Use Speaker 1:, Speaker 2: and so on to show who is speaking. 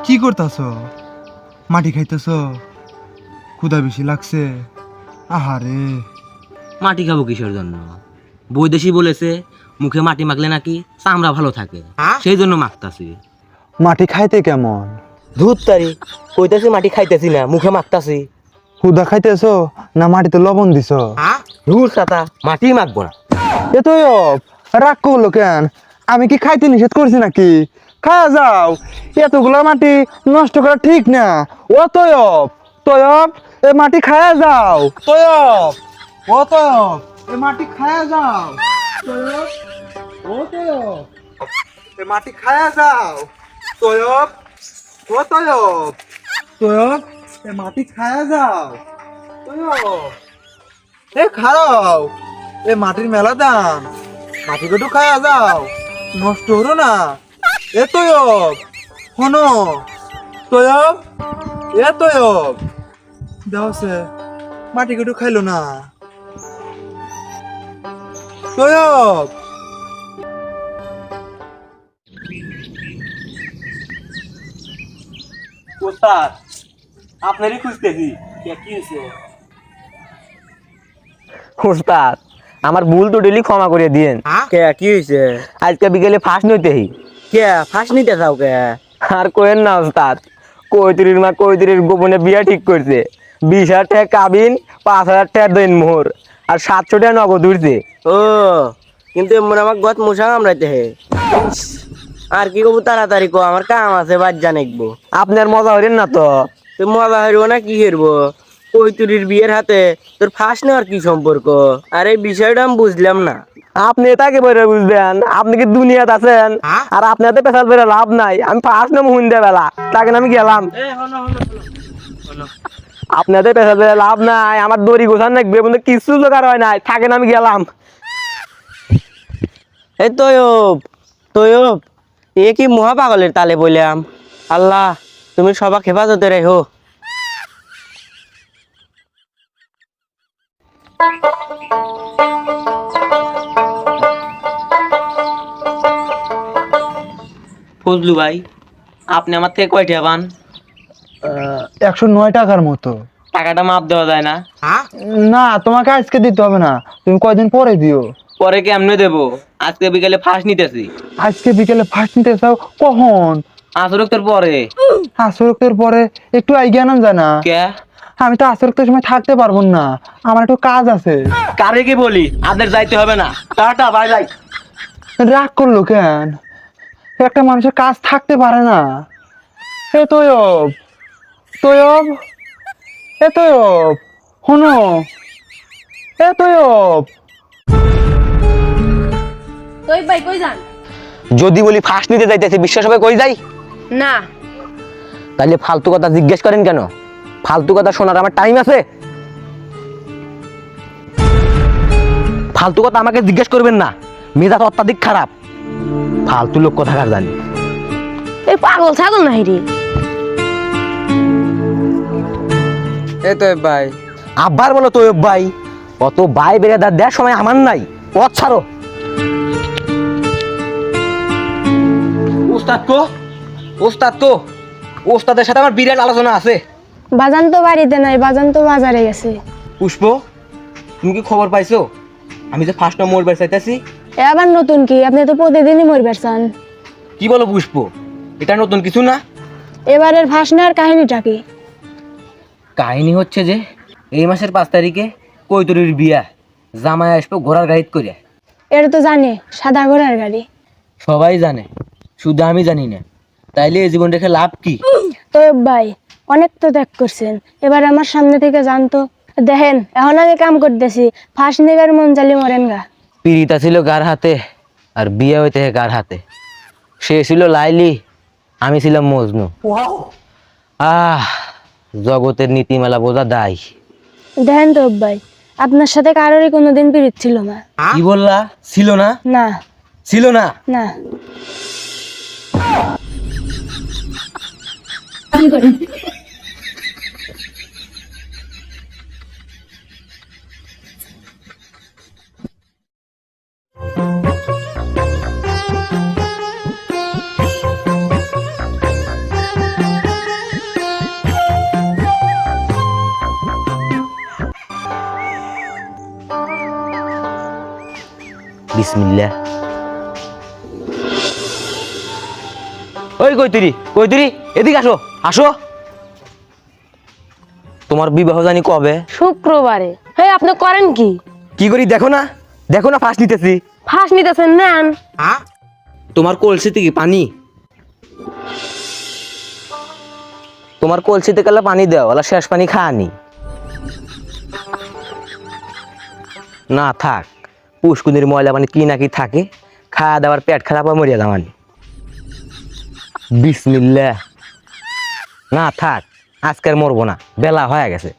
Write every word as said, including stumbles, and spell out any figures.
Speaker 1: কি করতাছ? মাটি খাইতেছ? ক্ষুধা বেশি লাগছে? আহারে,
Speaker 2: মাটি খাবো কিসের জন্য? বৈদেশি বলেছে মুখে মাটি মাখলে নাকি চামড়া ভালো থাকে, সেই জন্য মাখতাছি।
Speaker 1: মাটি খাইতে কেমন?
Speaker 2: ধূত তারি, কইতাছি মাটি খাইতেছি না, মুখে মাখতাছি।
Speaker 1: ক্ষুধা খাইতেছ না মাটিতে লবণ দিছ?
Speaker 2: রুর সাতা, মাটি মাখবো না।
Speaker 1: এ তো রাগ করলো কেন? আমি কি খাইতে নিষেধ করছি নাকি? খাওয়া যাও, এতগুলো মাটি নষ্ট করা ঠিক না। ও তয়ব, তয়ব এ মাটি খায়া যাও। তয়ব, ও তয়ব এ মাটি খায়া যাও। তয়ব, ও তয়ব এ মাটি খায়া যাও। তয়ব, ও তয়ব, তয়ব এ মাটি খায়া যাও। তয়ব, এ খাও, এ মাটির মেলা দাম, মাটি কটু খায়া যাও, নষ্ট হলো না। এ তয়ব, শোনো তয়ব, এ তয়ব দেওয়াছে মাটি কটু খাইলো না। তয়ব,
Speaker 2: ওস্তাদ, আপনারই খুঁজতেছি। কি হয়েছে? ওস্তাদ, আমার ভুল তো ডেলি ক্ষমা করে দিয়েন। কে কি হয়েছে? আজকে বিকেলে ফাঁস নইতেই। কে ফাঁস নিতে চাও? কে আর কোয়েন না ওস্তাদ, কৈতরির মা কৈতরির গোপনে বিয়া ঠিক করছে। বিশ হাজার টাকা কাবিন, পাঁচ হাজার টাকা দিন মোহর, আর সাতশো টাকা নগদ উঠছে। ও, কিন্তু এমন আমার গত মশা কামড়াইতে হে। আর কি করবো, তাড়াতাড়ি কো, আমার কাম আছে, বাজ্যা নেকবো। আপনার মজা হইলেন না তো? তুই মজা হইব না কি হেরবো? কৈতুরির বিয়ের হাতে তোর ফাঁস নেওয়ার কি সম্পর্ক? আর এই বিষয়টা আমি বুঝলাম না। আপনি তাকে বলে বুঝবেন, আপনি কি দুনিয়াতে আছেন? আর আপনার তো পেশাল বেড়ে লাভ নাই। আমি ফাঁস নেবো হুন্দে বেলা, তাকে আমি গেলাম। আপনাদের পেশাল বেড়ে লাভ নাই, আমার দড়ি গোছান নাকবে, বন্ধু কিছু জোগাড় হয় নাই, থাকেন আমি গেলাম। এই তয়ব, তয়ব এ কি মহা পাগলের তালে বললাম। আল্লাহ, তুমি সবাক হেফাজতে রেখো। ফজলু ভাই, আপনি আমার থেকে কয়টা পান?
Speaker 1: একশো নয় টাকার মতো।
Speaker 2: টাকাটা মাপ দেওয়া যায় না?
Speaker 1: না, তোমাকে আজকে দিতে হবে না, তুমি কয়দিন পরে দিও।
Speaker 2: পরে কেমনে দেবো? আজকে বিকেলে ফাঁস নিতেছি।
Speaker 1: আজকে বিকেলে ফার্স্ট নিতে চাও কখন?
Speaker 2: আসরক্তের পরে।
Speaker 1: আসরক্তের পরে একটু আইগিয়া নাম জানা।
Speaker 2: কে?
Speaker 1: আমি তো আসরক্তের সময় থাকতে পারবো না, আমার একটু কাজ আছে।
Speaker 2: কারে কি বলি, আপনার যাইতে হবে না। Tata, bye bye.
Speaker 1: রাগ করলো কেন? একটা মানুষের কাজ থাকতে পারে না। এ তয়ব, তয়ব, এ তয়ব, শোনো, এ তয়ব।
Speaker 3: তুই ভাই কই যান?
Speaker 2: যদি বলি ফাঁস নিতে যাইতেছে, বিশ্বাস হবে কই যাই?
Speaker 3: না।
Speaker 2: তাহলে ফালতু কথা জিজ্ঞেস করেন কেন? ফালতু কথা শোনার আমার টাইম আছে? ফালতু কথা আমাকে জিজ্ঞেস করবেন না, মেজাজ অত্যাধিক খারাপ। ফালতু লোক কোথাকার জানি।
Speaker 3: এই পাগল ছাগল নাই রে।
Speaker 4: এই তো ভাই।
Speaker 2: আব্বার বলো তো ভাই, অত ভাই বেড়ে দেওয়ার সময় আমার নাই। পথ ছাড়ো। ওস্তাদ কো, ওস্তাদ কো, ওস্তাদের সাথে আমার বিরাট আলোচনা আছে।
Speaker 3: বাজান তো বাড়িতে নাই, বাজান তো বাজারে গেছে।
Speaker 2: পুষ্প, তুমি কি খবর পাইছো আমি যে ফার্স্ট নম্বর বের চাইতেছি?
Speaker 3: এ আবার নতুন কি? আপনি তো প্রতিদিনই মরবার চান।
Speaker 2: কি বলো পুষ্প, এটা নতুন কিছু না।
Speaker 3: এবারের ফাঁস নেওয়ার কাহিনীটা কি?
Speaker 2: কাহিনী হচ্ছে যে এই মাসের পাঁচ তারিখে কৈতরির বিয়া, জামাই আসবো ঘোড়ার গাড়িতে করে।
Speaker 3: এটা তো জানে, সাদা ঘোড়ার গাড়ি।
Speaker 2: সবাই জানে, শুধু আমি জানি না। তাইলে এই জীবন রেখে লাভ কি?
Speaker 3: তো ভাই, অনেক তো ত্যাগ করছেন, এবার আমার সামনে থেকে জানতো। দেখেন, এখন আমি কাম করতেছি, ফাঁস নেবার মন চালি মরেন গা।
Speaker 2: পিড়িতা ছিল গার হাতে, আর বিয়ে হইতে গার হাতে। সে ছিল লাইলি, আমি ছিলাম মজনু। আহ, জগতের নীতিমালা বোঝা দায়।
Speaker 3: দেখেন তো ভাই, আপনার সাথে কারোরই কোনোদিন পিরিত ছিল না।
Speaker 2: কি বললা? ছিল না?
Speaker 3: না
Speaker 2: ছিল না?
Speaker 3: না।
Speaker 2: বিসমিল্লাহ। ওই কৈতুরি কৈতুরি এদিকে আসো আসো। তোমার বিবাহ জানি কবে?
Speaker 3: শুক্রবারে। হ্যাঁ, আপনি করেন কি?
Speaker 2: কি করি দেখো না, দেখো না ফাঁস নিতেছি।
Speaker 3: ফাঁস নিতেছেন নেন।
Speaker 2: তোমার কলসিতে কি পানি? তোমার কলসিতে গেলে পানি দাও, ওলা শেষ পানি খানি না থাক। পুষ্কুনির ময়লা পানি কি নাকি থাকে, খাওয়া দাওয়ার পেট খারাপ হয় মরিয়া দামানি। বিসমিল্লাহ। না থাক, আজকের মরবো না, বেলা হয়ে গেছে।